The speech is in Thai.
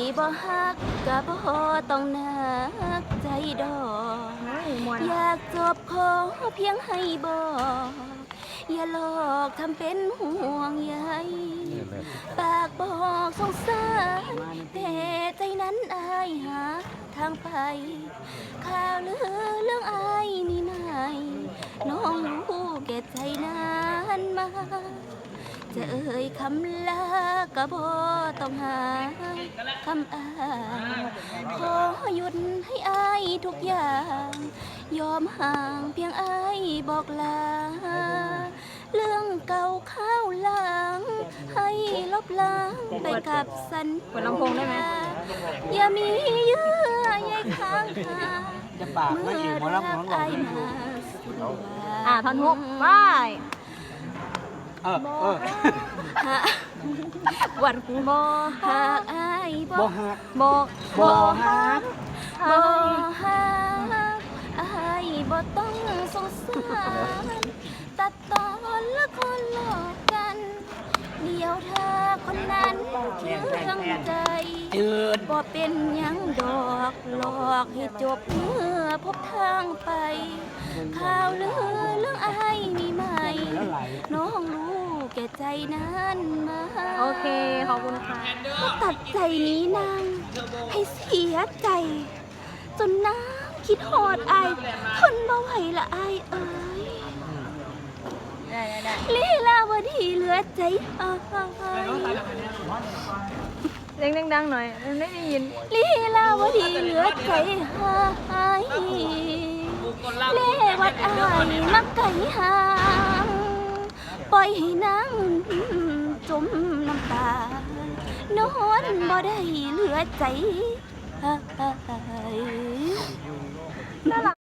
บ่ฮักก็บ่ต้องนักใจดอกอยากจบขอเพียงให้บอกอย่าหลอกทำเป็นห่วงใยปากบอกสงสารแต่ใจนั้นอายหาทางไปข่าวลือเรื่องอายนี่ไม่น้องรู้แก่ใจนั้นมาจะเอ่ยคำลาก็บ่ต้องหาคำอ้างขอหยุดให้อายทุกอย่างยอมห่างเพียงอายบอกลาเรื่องเก่าข้าวหลังให้ลบล้างไปกับสัญญาอย่ามีเยื่อใยค้างคาเมื่อรักอายมาสุดว่าท่อนฮุกไปวันบ่หักอายบ่ฮักบ่ฮักอายบ่ต้องสงสารตัดตอนละคนหลอกกันเดียวถ้าคนนั้นเชื่องใจบ่เป็นยังดอกหลอกให้จบเมื่อพบทางไปข่าวลือเรื่องอายนี่ไหมน้องรู้แก่ใจนั้นมาโอเคขอบคุณค่ะก็ตัดใจนี้นางให้เสียใจจนน้ำคิดหอดอายทนบ่ไหวละอายเอ้ยลีลาวดีเหลือใจอายเสียงดังๆหน่อยไม่ได้ยินลีลาวดีเหลือใจหายเล่วัดอายมักไก่หางปล่อยให้นางจมน้ำตานอนบ่ได้เหลือใจ